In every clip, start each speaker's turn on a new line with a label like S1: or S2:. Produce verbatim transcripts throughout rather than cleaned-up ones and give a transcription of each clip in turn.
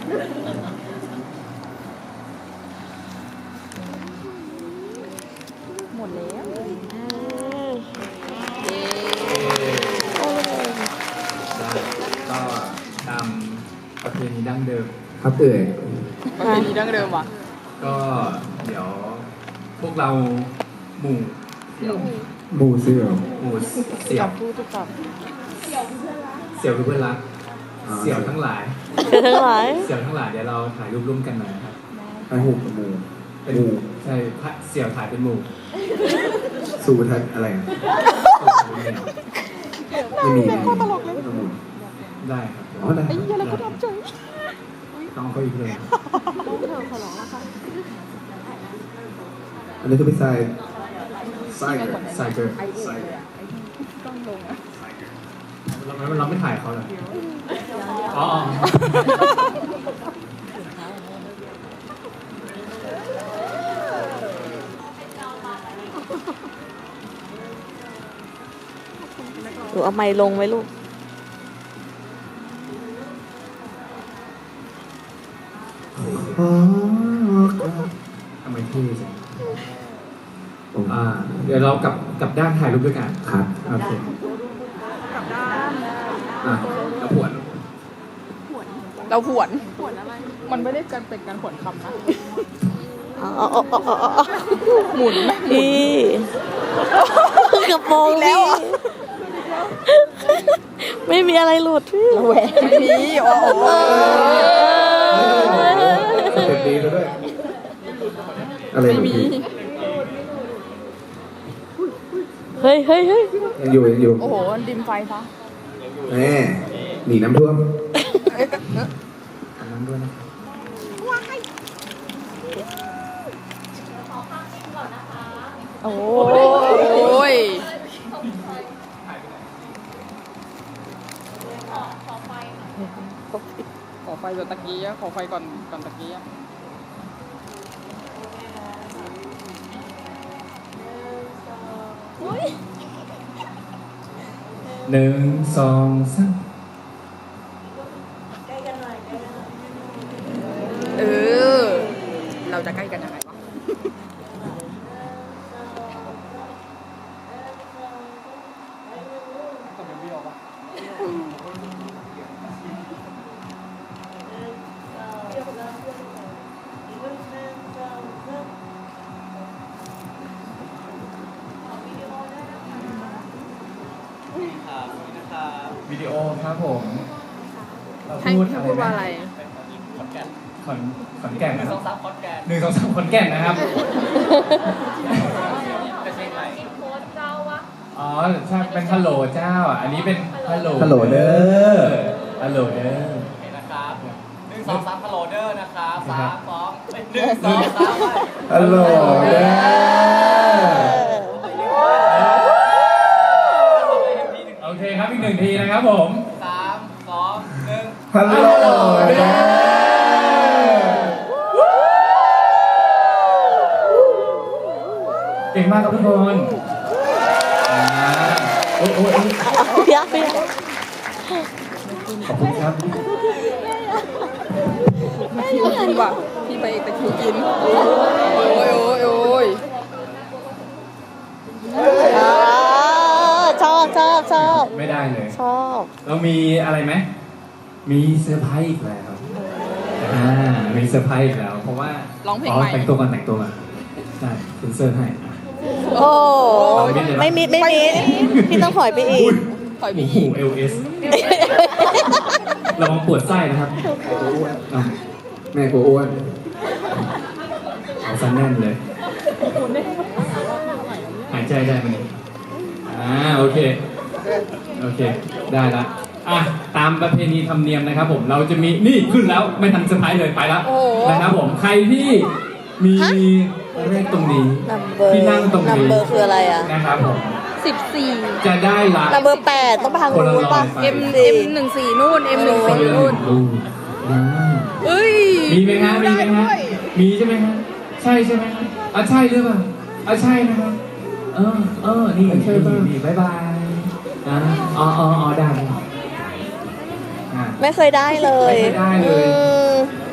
S1: หมดแล้ว
S2: ก็ตามประเพณีดั้งเดิม
S3: ครับเอ่ย
S1: ประเพณีดั้งเดิมว่ะ
S2: ก็เดี๋ยวพวกเราหมู่เสี่ยว
S3: หมูเสือ
S2: หมู่เสี่ยว
S1: พูดทุกค
S2: เสี่ยวคือเพื่อนรักเสี่ยวทั้งหลาย
S4: ทั้งหลาย
S2: เสี่ยวทั้งหลายเดี๋ยวเราถ่ายรูปร่วมกันหน่อยนะครับ
S3: ไอหูกับหมู
S2: เป็น
S3: หมู
S2: ใช่พระเสี่ยวถ่ายเป็นหมู่
S3: สูทัศอะไรอะไม่มีไม่มีหมู
S2: ได้ครับ
S3: อ๋อได้
S1: ไอ้เหี้ยแล้วก็ทำเฉย
S2: ต้องเอาเขาอีกเลย
S3: อันนี้ก็เป็นทรายทรายเกิด
S2: ใส่เกิน
S1: ใส่ต้องลงอ่ะ
S2: เราไม่เราไม่ถ่ายเขาเลยอ๋อ
S4: หนูเอาไม้ลงไว้ลูก
S3: อ๋อ
S2: ทำไมเท่จังอ่า เดี๋ยวเรากลับกลับด้านถ่ายรูปด้วยกัน
S3: ครับ
S2: โอเคอ่ะแล้วผวน
S1: เราผวนมันไม่ได้การเป็นการผวนคำนะ
S4: อ๋ออ๋ออ๋ออ๋อ
S1: หมุนไหม
S4: พี่กระโปรงพี่ไม่มีอะไรหลุดพี่
S1: แหวนนี้โอ้โห
S3: สเต็ปดีซะด้วย อะไร
S1: ไม่
S3: แบบ
S1: มี
S3: นี้
S4: เฮ้ยเฮ้ยเฮ้ย
S3: ยังอยู่ยังอยู่
S1: โอ้โหดิมไฟซะ
S3: แหมหนีน้ำท่วม
S2: อันนั้นด้วยนะครับ
S1: โอ้ยขอไฟก่อนตะกี้อะขอไฟก่อนก่อนตะกี้อะ
S2: หนึ่งสองสาม
S1: เออ เราจะใกล้กันยังไงวะ
S2: วิดีโอครับผม
S1: ให้ให้พูดว่าอะไร
S2: ขอนแก่นขอนขอนแก่นนะครับหนึ่งสองสามขอนแก่นหนึ่งสองสามขอนแก่นนะครับอ๋อใช่เป็นฮัลโหลเจ้าอ่ะ อันนี้เป็นฮัลโหล
S3: ฮัลโหลเด้อ
S2: ฮัลโหลเด้อ
S5: นะครับหนึ่งสองสามฮัลโหลเดอร์นะครับสามสองหนึ่งสองสาม
S3: ฮัลโหลเด้อ
S2: โอเคครับอีกหนึ่งทีนะครับผม
S5: สามสองหนึ่ง
S3: ฮัลโหลเด้อ
S2: เก่งมากครับทุกคนอ่าโอ้โอ้โอ้
S4: เพี้ยเพี้ย
S2: ขอบคุณครับ
S1: คิวกินว่ะพี่ไปเอกแต่คิวกิน โอ้ยโอ้ยโอ้ย
S4: อ่าชอบชอบชอบ
S2: ไม่ได้เลย
S4: ชอบ
S2: เรามีอะไรไหม มีเซอร์ไพรส์อีกแล้ว อ่า มีเซอร์ไพรส์อีกแล้ว เพราะว่า
S1: ร้องเพลงใหม่
S2: แต่งตัวก่อนแต่งตัวก่อนได้เซ็นเซอร์ให้อ่ะ
S4: โอ้
S2: เอาไม่ได้
S4: ไม่มีไม่มีพี่ต้องถอยไปอีก
S1: ถอยไป
S2: โอ้โห
S1: อีก
S2: เอลเอสระวังปวดไส้นะครับอ่ะ
S3: แม่กูอ้วน
S2: เอาซะแน่นเลย หายใจได้ไหมเนี่ยอ่า โอเค โอเค ได้ละอ่ะ ตามประเพณีธรรมเนียมนะครับผม เราจะมี นี่ขึ้นแล้ว ไม่ทันเซอร์ไพรส์เลย ไปแล้ว
S1: โอ้โห
S2: นะครับผม ใครที่มีเลขตรงนี้
S4: นัมเบอร์
S2: ที่นั่งตรง
S4: นัม
S2: นี้
S4: เบอร์คืออะไรอ่ะ
S2: นะครับผม
S1: สิบสี่
S2: จะได้รับ
S4: นัมเบอร์แปดต้องไปทางนู้นป่ะ
S2: คนละร้อย
S1: เอ็มเอ็มหนึ่งสี่นู่นเอ็มหนึ่ง
S2: คน
S1: สี่
S2: ละห
S1: นู่
S2: นึ่
S1: น
S2: งลูกอ่า
S1: เอ้ย
S2: มีไหมฮะ มีไหม
S1: ด้
S2: ฮะ
S1: ด้วย
S2: มีใช่ไหมฮะ ใช่ใช่ไหมฮะอ่ะใช่หรือเปล่าอ่ะใช่นะครับเออ เออ นี่ใช่ป่ะนี่บายบายอ่าอ๋ออ๋ออ๋อได้อ่ะ
S4: ไม่เคยได้เลย
S2: ไม่เคยได้เลย
S4: อืม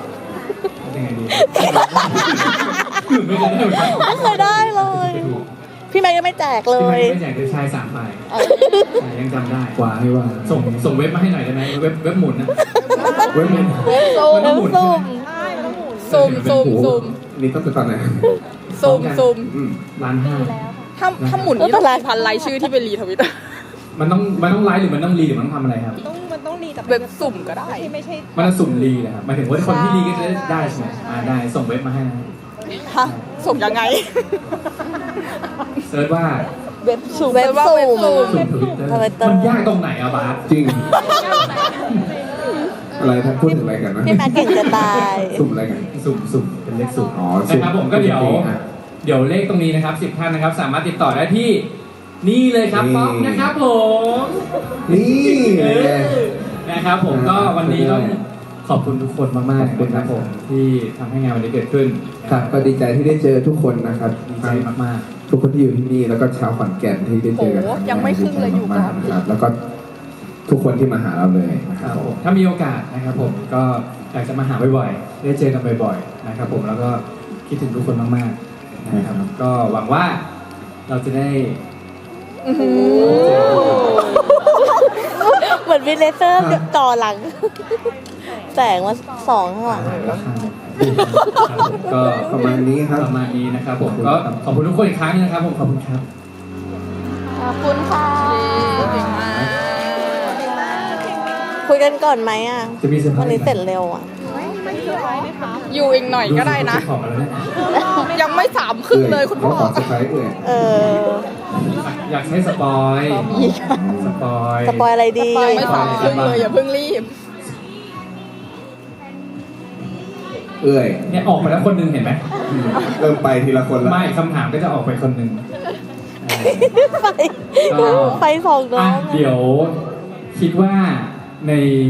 S2: ไม่เคยได้เหมือนกัน
S4: ไม่เคยได้เลย พี่แม็กยังไม่แจกเล
S2: พี่
S4: ย
S2: ไม่ไม่แจกเลยชายสามใบยังจำได้
S3: กว่าให้ว่า
S2: ส่งส่งเว็บมาให้หน่อยได้ไหมเว็บเว็บหมุนนะ
S3: เว้ยมัน
S2: มันต้องหมุน
S4: ซุ่ม
S1: ซูมซูมซูม
S3: นี่ต้องไปตอนไหน
S1: ซูมซูม
S3: อืม
S2: ล้านห้า
S1: ถ้าถ้าหมุนนี่ต้องพันรายชื่อที่ไปรีทวิต
S2: มันต้องมันต้องไลฟ์หรือมันต้องรีหรือมันต้องทำอะไรครับ
S1: เว็บสุ่มก็ได้
S2: มันจะสุ่มรีนะครับหมายถึงว่าคนที่รีก็จะได้ใช่ไหมอ่าได้ส่งเว็บมาให้นะ
S1: ฮะส่งยังไง
S2: เซิร์ชว่า
S4: เว็บสุ่มเว็บสุ่ม
S2: สุ่มทวิตเตอร์
S4: Twitter
S2: มันยากตรงไหนอะบาส
S3: จริง อะไรท่านพูดถึงอะไรกันนะ
S4: พี่แม็กเก่งจะตาย
S3: สุ่มอะไรกัน
S2: สุ่มสุ่มเป็นเลขสุ่ม
S3: อ๋อสุ่ม
S2: นะครับผมก็เดี๋ยว
S3: อ่ะ
S2: เดี๋ยวเลขตรงนี้นะครับสิบท่านนะครับ สามารถติดต่อได้ที่นี่เลยครับ
S3: นี่
S2: ป๊อกนะครับผม
S3: นี่
S2: เอ
S3: ไง
S2: อนะครับผมก็วันนี้ต้องขอบคุณทุกคนมากๆ
S3: ขอบคุณ
S2: นะครับ
S3: ครับ
S2: ผมที่ทำให้งานวันนี้เกิดขึ้น
S3: ครับก็ดีใจที่ได้เจอทุกคนนะครับ
S2: ดีใจมาก
S3: ทุกคนที่อยู่ที่นี่แล้วก็ชาวขอนแก่นที่ได้เจอกัน
S1: โอ้ยังไม่ครึ่งเลยอยู่ก่อน
S3: ดีใจมากๆนะครับ แล้วก็ทุกคนที่มาหาเราเลยนะ
S2: ๆ
S3: ค
S2: ค
S3: รั
S2: รั
S3: บบ ผ
S2: ผม มถ้ามีโอกาสนะครับผมก็อยากจะมาหาบ่อยๆได้เจอกันบ่อยๆนะครับผมแล้วก็คิดถึงทุกคนมากๆนะครับก็หวังว่าเราจะได้
S4: เหมือนวินเลเซอร์ต่อหลัง แสงมาสองข้างหลัง
S2: ราคาครับผมก็
S3: ประมาณนี้ครับ
S2: ประมาณนี้นะครับผมก็ขอบคุณทุกคนอีกครั้งนึงนะครับผมขอบคุณครับ
S4: ขอบคุณค่ะ
S1: เก่งมาก
S4: คุยกันก่อนไหมอ่ะ
S2: จะมีเซอร์ไพร
S4: วัน
S2: ส์
S4: นี้เสร็จเร็วอ่ะ
S1: อยู่อีกหน่อยก็ได้นะ
S2: ของมาแล้วนะ
S1: ยังไม่สามครึ่งเลยคุณพ่อ
S3: ขอสไครต์เลย
S4: เออ
S2: อยากให้สปอยสปอย
S4: สปอยอะไรดี
S1: ยังไม่สามครึ่งเลยอย่าเพิ่งรีบ
S3: เอ้ย
S2: เนี่ยออกไปแล้วคนหนึงเห็นไหม
S3: อืมเริ่มไปทีละคนละ
S2: ไม่คำถามก็จะออกไปคนหนึ่ง
S4: ไฟไฟสองน้อ
S2: อ่ะ
S4: ง
S2: เดี๋ยวคิดว่าใน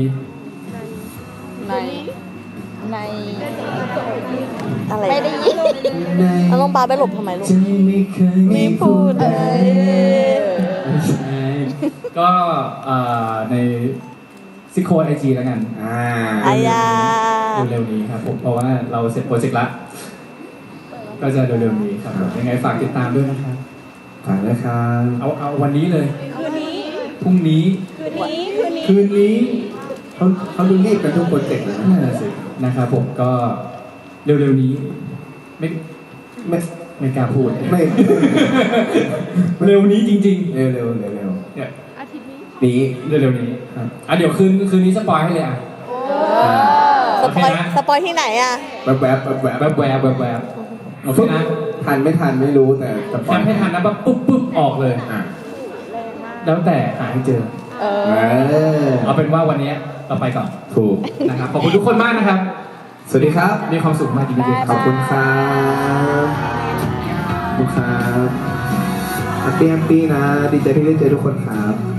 S1: ใน ใน
S4: อะไรไม่ได้ยินแล้วน้องปาไปหลบทำไมลูก
S2: ใจไม่เคย
S4: ไม่พูดเลย
S2: ไม่ใช่ก็เอ่อในซิโคนไอจีแล้วกัน
S3: อ่า
S4: อายา
S2: เร็วๆนี้ครับผมเพราะว่าเราเสร็จโปรเจกต์ละก็จะเร็วๆนี้ครับผมยังไงฝากติดตามด้วยนะครับ
S3: ผ่านแล้วครับ
S2: เอาเอาวันนี้เลยคืนนี้พรุ่งนี้คืนนี้
S3: เขาเขาดูรีบกันทุกโปรเจกต์เลย
S2: คืน
S3: นะ
S2: นี้นั่นแหละสินะครับผมก็เร็วๆนี้ไม่
S3: ไม่
S2: ไม่กล้าพูด
S3: ไม่
S2: เร็วนี้จริง
S3: เร็วเร็วเร็วเร็ว
S2: ๆเนี่ย
S3: นี้
S2: เร็วๆนี้ครับอ่ะเดี๋ยวคืนคืนนี้สปอยให้เลยอ่ะ
S4: ส
S2: โอ
S4: ป
S2: เค
S4: อย
S2: นะ
S4: สปอยที่ไหนอ่ะ
S3: แวบแวบแวบแวบ
S2: แวบแวบแวบแวบโอเคนะ
S3: ทันไม่ทันไม่รู้แต่จะปล่อย
S2: ทำให้ทันนะปั๊บปุ๊บปุ๊บออกเลย
S3: อ่ะ
S2: แล้วแต่หาให้เจอ
S1: เอ
S3: เอ
S1: อ
S3: อ
S2: เอาเป็นว่าวันนี้เราไปก่อน
S3: ถูก
S2: นะครับขอบคุณทุกคนมากนะครับ
S3: สวัสดีครับ
S2: มีความสุขมากจริงๆ
S3: ขอบคุณครับขอบคุณครับแฮปปี้แฮปปี้นะ ดีใจที่ได้เจอทุกคนครับ